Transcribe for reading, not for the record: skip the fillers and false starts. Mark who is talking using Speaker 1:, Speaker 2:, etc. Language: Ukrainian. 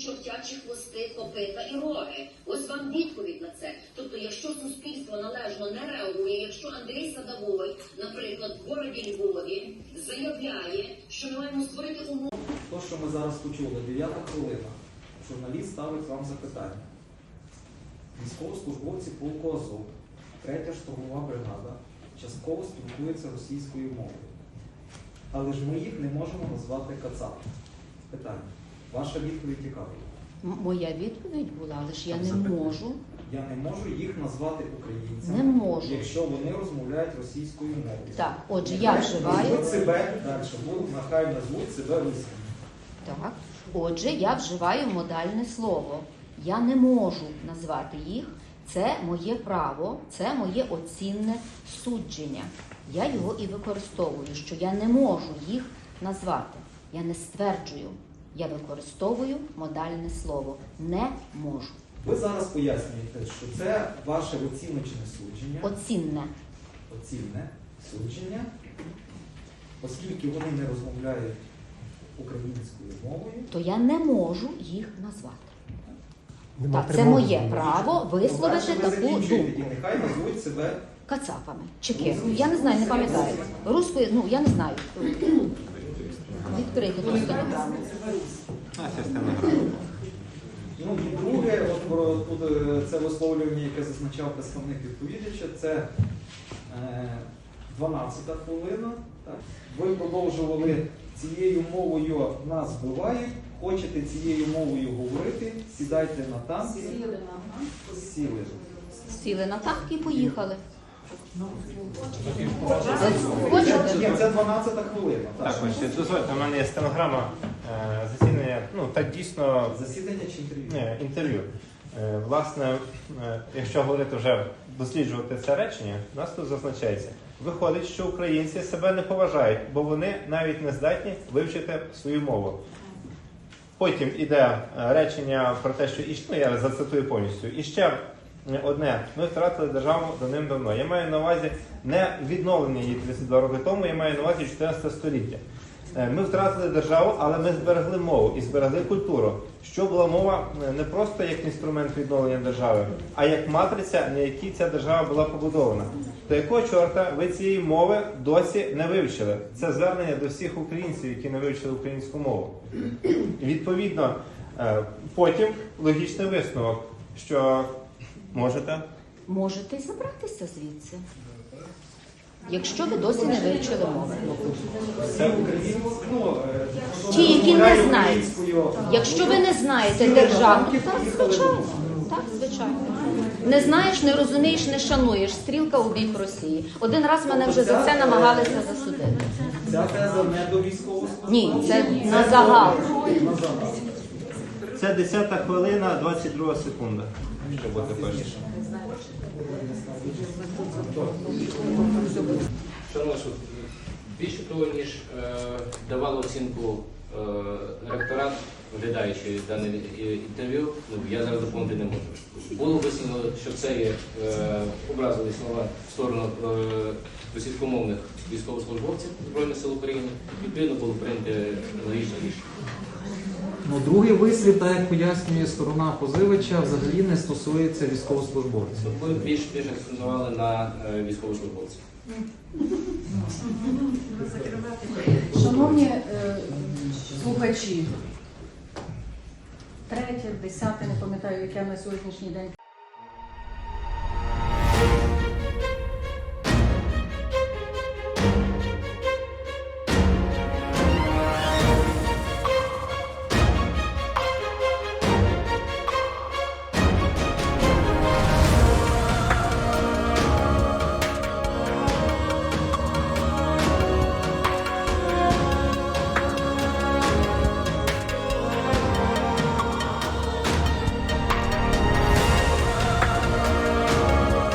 Speaker 1: чортячі хвости, копита і роги. Ось вам відповідь на це. Тобто, якщо суспільство належно не реагує, якщо Андрій Садовой, наприклад, в городі Львові заявляє, що ми маємо створити умови.
Speaker 2: То, що ми зараз почули, 9-та хвилина, журналіст ставить вам запитання. Військовослужбовці полку Азов, 3-я штурмова бригада, частково спілкуються російською мовою. Але ж ми їх не можемо назвати кацапами. Питання. Ваша відповідь яка?
Speaker 3: Моя відповідь була, але ж я не можу.
Speaker 2: Я не можу їх назвати українцями,
Speaker 3: Не можу.
Speaker 2: якщо вони розмовляють російською мовою.
Speaker 3: Так, отже, я вживаю.
Speaker 2: Назвуть себе, далі, нехай назвуть себе русским.
Speaker 3: Так, отже, я вживаю модальне слово. Я не можу назвати їх. Це моє право, це моє оцінне судження. Я його і використовую, що я не можу їх назвати. Я не стверджую. Я використовую модальне слово. Не можу.
Speaker 2: Ви зараз пояснюєте, що це ваше оціночне судження. Оцінне судження, оскільки вони не розмовляють українською мовою,
Speaker 3: то я не можу їх назвати. Так, це моє право висловити таку думку.
Speaker 2: І нехай назвуть себе
Speaker 3: Кацапами. Чи ким? Я не знаю, не пам'ятаю. Руською, я не знаю. Відкрийте ту стенограму.
Speaker 2: Ну і друге, от тут це висловлювання, яке зазначав представник відповідача, це 12-та хвилина. Так. Ви продовжували цією мовою нас вбивають, хочете цією мовою говорити, сідайте на танки. Сіли.
Speaker 3: Сіли на танк і поїхали.
Speaker 2: Ні, це 12-та хвилина.
Speaker 4: Так, ось, дозвольте, у мене є стенограма засідання, так дійсно...
Speaker 2: Засідання чи інтерв'ю?
Speaker 4: Ні, інтерв'ю. Власне, якщо говорити вже, досліджувати це речення, у нас тут зазначається. Виходить, що українці себе не поважають, бо вони навіть не здатні вивчити свою мову. Потім іде речення про те, що, я зацитую повністю, і ще одне, ми втратили державу давним-давно. Я маю на увазі не відновлення її 32 роки тому, я маю на увазі 14 століття. Ми втратили державу, але ми зберегли мову і зберегли культуру. Що була мова не просто як інструмент відновлення держави, а як матриця, на якій ця держава була побудована. То якого чорта ви цієї мови досі не вивчили? Це звернення до всіх українців, які не вивчили українську мову. Відповідно, потім логічний висновок, що
Speaker 3: можете забратися звідси. Якщо ви досі не вивчили мови.
Speaker 2: Це українською.
Speaker 3: Ті, які не знають. Якщо ви не знаєте державну, так, звичайно. Не знаєш, не розумієш, не шануєш. Стрілка у бік Росії. Один раз мене вже за це намагалися засудити.
Speaker 2: Ця теза не до військовослужбовців?
Speaker 3: Ні, це на загал.
Speaker 4: це 10-та хвилина, 22 секунда. Що буде перше?
Speaker 5: Шановні суд, більше того, ніж давало оцінку ректорат, оглядаючи дане інтерв'ю, я зараз доповнити не можу. Було висновлено, що це є образливі слова в сторону російськомовних військовослужбовців Збройних сил України, відповідно було прийнято логічне рішення.
Speaker 2: Другий вислів, так як пояснює сторона позивача, взагалі не стосується військовослужбовців.
Speaker 5: Ви більш акцентували на військовослужбовців.
Speaker 6: Шановні слухачі, 3, 10, не пам'ятаю, яке на сьогоднішній день.